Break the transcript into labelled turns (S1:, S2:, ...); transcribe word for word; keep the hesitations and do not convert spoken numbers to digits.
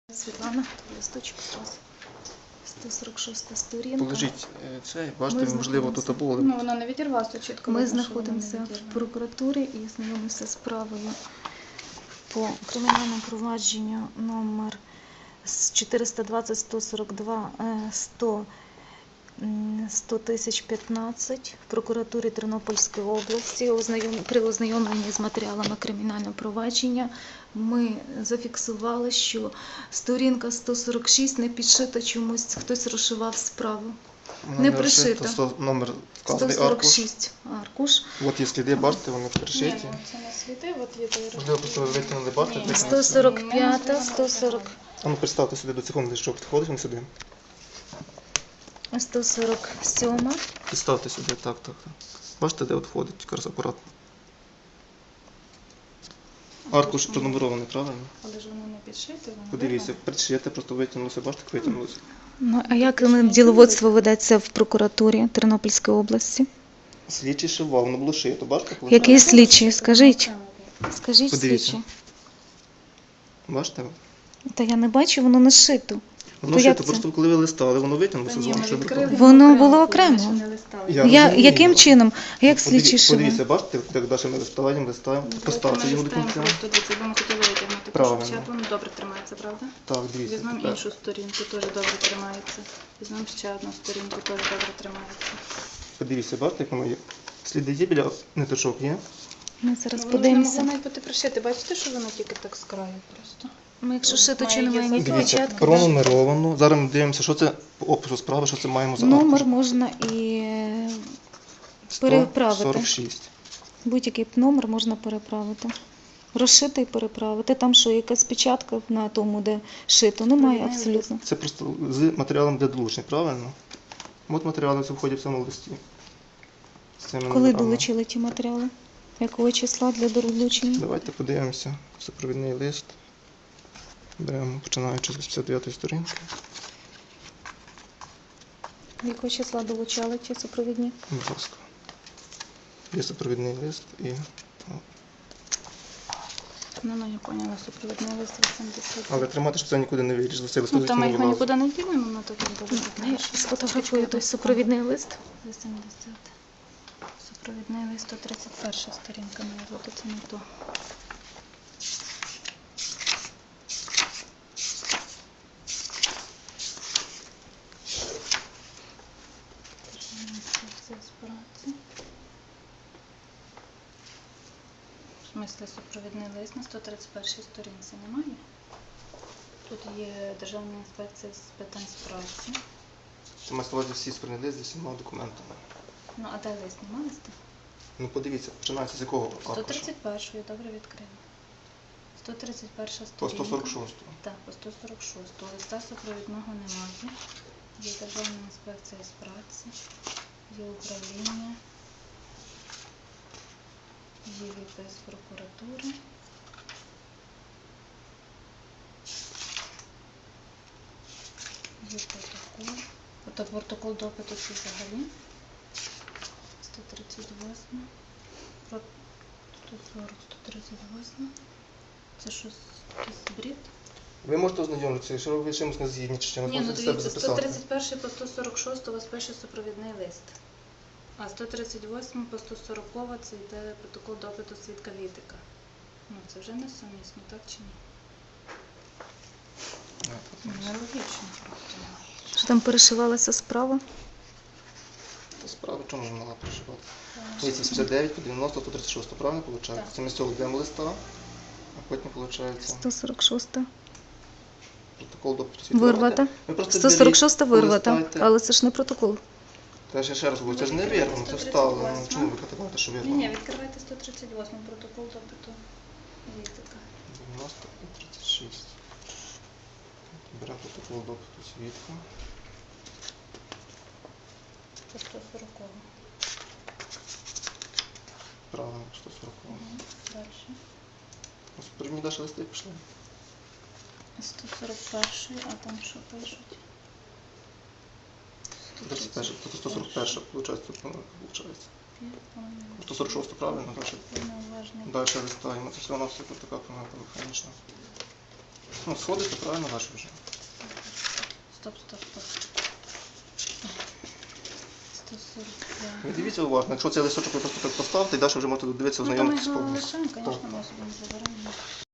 S1: Світлана, листочок у вас. сто сорок шоста сторінка.
S2: Положіть це, бачите, можливо, тут було.
S3: Ну, вона не відірвалася чітко.
S1: Ми
S3: видно, що
S1: знаходимося
S3: вона не
S1: в прокуратурі і знайомимося з справою по кримінальному провадженню номер чотириста двадцять сто сорок два сто тисяч п'ятнадцять в прокуратурі Тернопільської області. При ознайомленні з матеріалами кримінального провадження ми зафіксували, що сторінка сто сорок шість не підшита чомусь, хтось розшивав справу. Не пришита.
S2: Номер
S1: сто сорок шість аркуш.
S2: От є сліди, бачите, вони
S3: Ні,
S2: пришиті.
S3: ну, це не сліди, от є той
S2: Можливо, просто ви витягнули, бачите?
S1: сто сорок п'ята, сто сорок.
S2: А ну, представте сюди до секунди, що підходить він сюди.
S1: сто сорок сьома.
S2: Підставте сюди, так, так, так. Бачите, де от входить, якраз акуратно. Аркуш пронумерований, правильно?
S3: Але ж воно не підшите, воно
S2: Подивіться,
S3: видно.
S2: пришите, просто витягнулося, бачите, як витягнулося.
S1: Ну, а як діловодство ведеться в прокуратурі Тернопільської області?
S2: Слідчий шивав, воно було шито, бачите? коли
S1: Який
S2: шито?
S1: слідчий? Скажіть. Скажіть,
S2: Подивіться.
S1: слідчий.
S2: Бачите?
S1: Та я не бачу, воно не шито.
S2: Воно
S1: То як
S2: шито,
S1: це?
S2: просто коли ви листали, воно витягнулося
S3: Та
S2: з
S3: ні,
S2: вами.
S3: ми
S2: що
S3: відкрили,
S2: ви
S1: Воно було окремо.
S3: ще не листали.
S2: Я
S1: Я,
S2: розумію.
S1: яким чином? А як
S2: Подиві-
S1: слідчий
S2: Подивіться,
S1: шивав?
S2: бачите, як далі ми листаємо, листаємо. Поставте його до кінця.
S3: Просто дивіться, бо ми хотіли витягнути.
S2: Правильно.
S3: Правильно. Воно добре тримається, правда?
S2: Так, дивіться.
S3: Візьмемо
S2: тепер.
S3: іншу сторінку, теж добре тримається. Візьмемо ще одну сторінку, теж добре тримається.
S2: Подивіться, бачите, як воно є. Сліди є біля ниточок, є?
S1: Ми зараз
S3: Ну, воно ж не
S1: подивимося.
S3: могло навіть бути пришити. Бачите, що воно тільки так з краю просто?
S1: Ну, якщо шито,
S3: Має
S1: чи немає
S3: є
S1: ніякої
S2: Дивіться,
S1: печатки?
S2: пронумеровано. Зараз ми дивимося, що це по опису справи, що це маємо за
S1: Номер
S2: аркуш.
S1: можна і е, переправити.
S2: сто сорок шість.
S1: Будь-який номер можна переправити. Розшити і переправити. Там що, якась печатка на тому, де шито? Немає
S3: Немає.
S1: абсолютно.
S2: Це просто з матеріалом для долучення, правильно? От матеріали це входять в цьому листі. З цими
S1: Коли
S2: номерами.
S1: долучили ті матеріали? Якого числа для долучення?
S2: Давайте подивимося. Супровідний лист. Беремо, починаючи з п'ятдесят дев'ятої сторінки.
S1: Якого числа долучали ті супровідні?
S2: Будь ласка. Є супровідний лист і
S3: Ну, ну, я поняла, супровідний лист вісімдесят.
S2: але тримати, щоб це нікуди не виріжало. Цей
S3: Ну,
S2: листок
S3: там ми
S2: не
S3: його
S2: вилазить.
S3: нікуди не ділимо, воно так добре видно.
S1: Сфотографую той супровідний лист.
S3: вісімдесят. Супровідний лист, сто тридцять перша сторінка має бути, це не то. В смислі, супровідний лист на сто тридцять першій сторінці немає? Тут є Державна інспекція з питань праці.
S2: Це має на увазі всі сторінки лист зі всіма документами.
S3: Ну, а де лист? Нема листа?
S2: Ну подивіться, починається з якого
S3: сто
S2: аркуша?
S3: тридцять першої, добре відкрила. сто тридцять перша
S2: По
S3: сторінка.
S2: сто сорок шостому.
S3: Так, по сто сорок шостому. Листа супровідного немає. Є Державна інспекція з праці, є управління, є відпис прокуратури. Є протокол. Ото протокол допиту це взагалі. сто тридцять восьма. Про сто сорок, сто тридцять восьма. Це що, якийсь бред?
S2: Ви можете ознайомитися, якщо ви чимось не згідні, чи чимось
S3: Ні, ну
S2: можете себе
S3: дивіться, сто
S2: записати.
S3: тридцять перший по сто сорок шостий у вас пише супровідний лист. А сто тридцять восьмий по сто сороковий це йде протокол допиту свідка Вітика. Ну, це вже не сумісно, так чи ні? Ну, нелогічно просто.
S1: Що там перешивалася справа?
S2: Та справа чому ж мала проживати? Дивіться, сімдесят дев'ять по дев'яносто, сто тридцять шість, правильно виходить?
S3: Так.
S2: Це ми з цього йдемо листа, а потім виходить
S1: сто сорок шоста.
S2: протокол допиту свідка.
S1: Вирвата.
S2: Ви просто
S1: сто сорок шоста
S2: беріть,
S1: вирвата.
S2: полистайте.
S1: Але це ж не протокол.
S2: Та ж я ще раз говорю, це ж не вірно, це вставлено. Ну, чому ви категорите, що
S3: Ні,
S2: вірно?
S3: ні, відкривайте сто тридцять восьмий протокол допиту Вітика.
S2: дев'яносто і тридцять шість. Беремо протокол допиту свідка.
S3: По сто сороковий.
S2: Правильно, сто сорок.
S3: Далі.
S2: Ось первні далі листи пішли.
S3: сто сорок перший, а там що пишуть?
S2: тридцять перше, тобто сто сорок перше, виходить, тут помилка виходить. сто сорок шосте, правильно? Далі.
S3: Неуважний.
S2: Далі листаємо. Це все у нас така помилка механічна. Ну, сходиться правильно ваше вже.
S3: Стоп, стоп, стоп. сто сорок
S2: Ви
S3: п'ять.
S2: дивіться уважно, якщо цей листочок ви просто так поставите, і далі вже можете дивитися,
S3: Ну, то ми
S2: ознайомитися
S3: його
S2: повністю.
S3: лишаємо, звісно,
S2: Так.
S3: ми собі не заберемо.